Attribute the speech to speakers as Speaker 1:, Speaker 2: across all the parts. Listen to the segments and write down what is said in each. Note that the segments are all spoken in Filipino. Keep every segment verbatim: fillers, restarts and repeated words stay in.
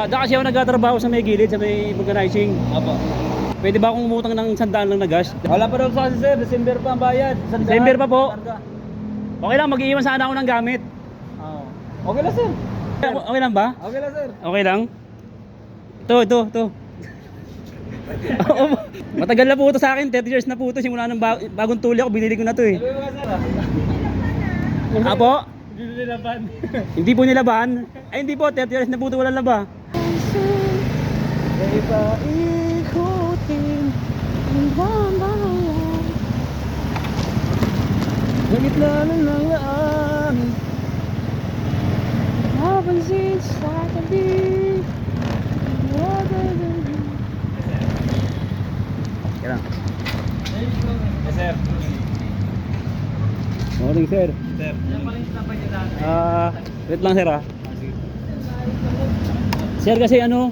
Speaker 1: dyan kasi ako nagtatrabaho sa may gilid, sa may vulcanizing.
Speaker 2: Apo.
Speaker 1: Pwede ba akong umutang ng sandaan lang na gas?
Speaker 2: Wala pa daw sa kasi sir, December pa ang bayad. Sandaan,
Speaker 1: December pa po?
Speaker 2: karga.
Speaker 1: Okay lang, mag-iiwan sana ako ng gamit.
Speaker 2: Oo. Okay lang sir.
Speaker 1: Okay lang ba?
Speaker 2: Okay lang sir.
Speaker 1: Okay lang? Ito, ito, ito. Matagal na po ito sa akin, thirty years na po ito. Simula ng ba- bagong tuli ako, binili ko na ito eh.
Speaker 2: Sabi mo ka sir.
Speaker 1: Apo?
Speaker 2: Hindi nilaban.
Speaker 1: Hindi po nilaban? Ay hindi po, thirty years na po ito walang laba.
Speaker 2: Hindi pa.
Speaker 1: Ikutin ang bayan sa gitna ng langaan, mapansin sa tabi. Kaya lang.
Speaker 2: Yes sir.
Speaker 1: Morning sir.
Speaker 2: Sir.
Speaker 1: Ah, wait lang sir ah. Sir kasi ano,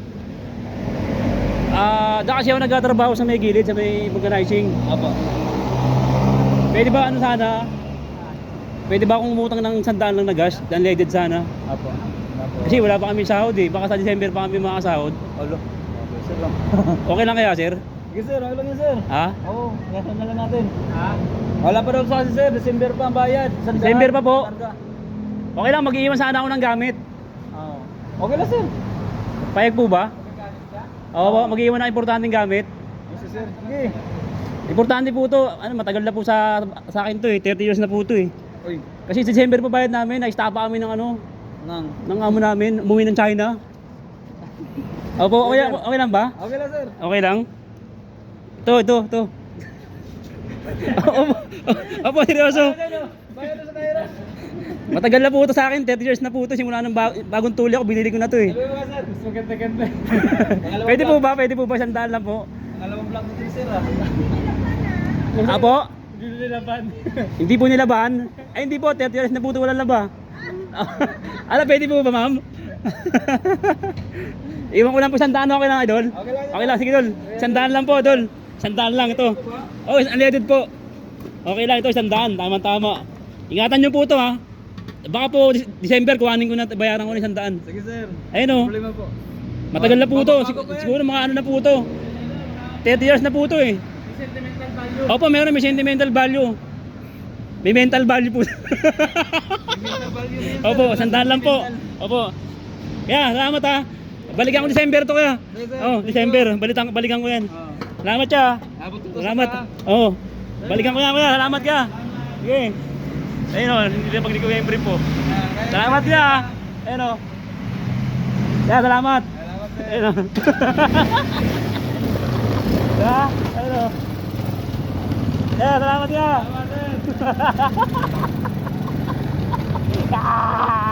Speaker 1: ah, dyan kasi ako nagtatrabaho sa may gilid, sa may vulcanizing.
Speaker 2: Apo.
Speaker 1: Pwede ba ano sana? Pwede ba akong umutang ng sandaan lang na gas? Unleaded sana.
Speaker 2: Apo. Apo.
Speaker 1: Kasi wala pa kami sahod eh. Baka sa December pa kami makasahod.
Speaker 2: Alo. Okay sir lang.
Speaker 1: Okay lang kaya sir?
Speaker 2: Sige sir, okay lang yun sir.
Speaker 1: Ha?
Speaker 2: Oo, ngayon na lang natin. Ha? Wala pa daw sa kasi sir, December pa ang bayad. Sandaan,
Speaker 1: December pa po?
Speaker 2: karga.
Speaker 1: Okay lang, mag-iiwan sana ako ng gamit.
Speaker 2: Oo. Okay lang sir.
Speaker 1: Payag po ba? Oo po, mag-iiwan ng importanteng gamit.
Speaker 2: Yes sir. Sige.
Speaker 1: Importante po to. Ano, matagal na po sa sa akin to eh. thirty years na po to eh.
Speaker 2: Uy.
Speaker 1: Kasi sa December pa bayad namin, na-stapa kami ng ano,
Speaker 2: Nang.
Speaker 1: ng amo namin, umuwi ng China. Opo, okay, okay lang ba?
Speaker 2: Okay lang sir.
Speaker 1: Okay lang? Ito, ito, ito. Opo, opo, seryoso.
Speaker 2: Bayad na sa kahira.
Speaker 1: Matagal na po ito sa akin, thirty years na po ito. Simula ng ba- bagong tuli ako, binili ko na ito eh.
Speaker 2: Sabi mo ka sir, mas maganda-ganda.
Speaker 1: Pwede po ba? Pwede po ba? Sandaan lang po.
Speaker 2: Pangalawang vlog natin sir ah.
Speaker 1: Apo?
Speaker 2: Hindi nilaban.
Speaker 1: Hindi po nilaban? Ay hindi po, thirty years na po ito walang laba. Ala, pwede po ba ma'am? Iwan ko lang po sandaan, okay lang idol?
Speaker 2: Okay lang.
Speaker 1: Okay lang, sige dol. Sandaan lang po dol. Sandaan lang ito. Oh, unleaded po. Okay lang ito, sandaan. Tama-tama. Ingatan nyo po ito ha. Baka po December kuhanin ko na, bayaran ko na sandaan.
Speaker 2: Sige sir.
Speaker 1: Ayun o.
Speaker 2: Problema po.
Speaker 1: Matagal na po ito.
Speaker 2: Bago- bago
Speaker 1: Sig-
Speaker 2: pa yan.
Speaker 1: siguro mga ano na po ito. thirty years na po ito eh.
Speaker 2: Sentimental value.
Speaker 1: Opo, meron may sentimental value. May mental value po.
Speaker 2: Sentimental value na yun, sir.
Speaker 1: Opo, sandaan lang po. Opo. Kaya, salamat ha. Balikan ko December to kaya.
Speaker 2: Yes, sir.
Speaker 1: Oh, December. Balikan, balikan ko yan.
Speaker 2: Oh.
Speaker 1: Salamat siya.
Speaker 2: Abot ko to
Speaker 1: Salamat.
Speaker 2: sa
Speaker 1: Oo. Balikan ko yan kuya. Salamat ka. Sige. Ayun o, hindi na pag di ko yung brief po. Salamat ka. Ayun o. Yeah, salamat.
Speaker 2: Salamat sir.
Speaker 1: Ayun o. Yeah, ayun o. Yeah, salamat ka.
Speaker 2: Salamat sir.
Speaker 1: Ah!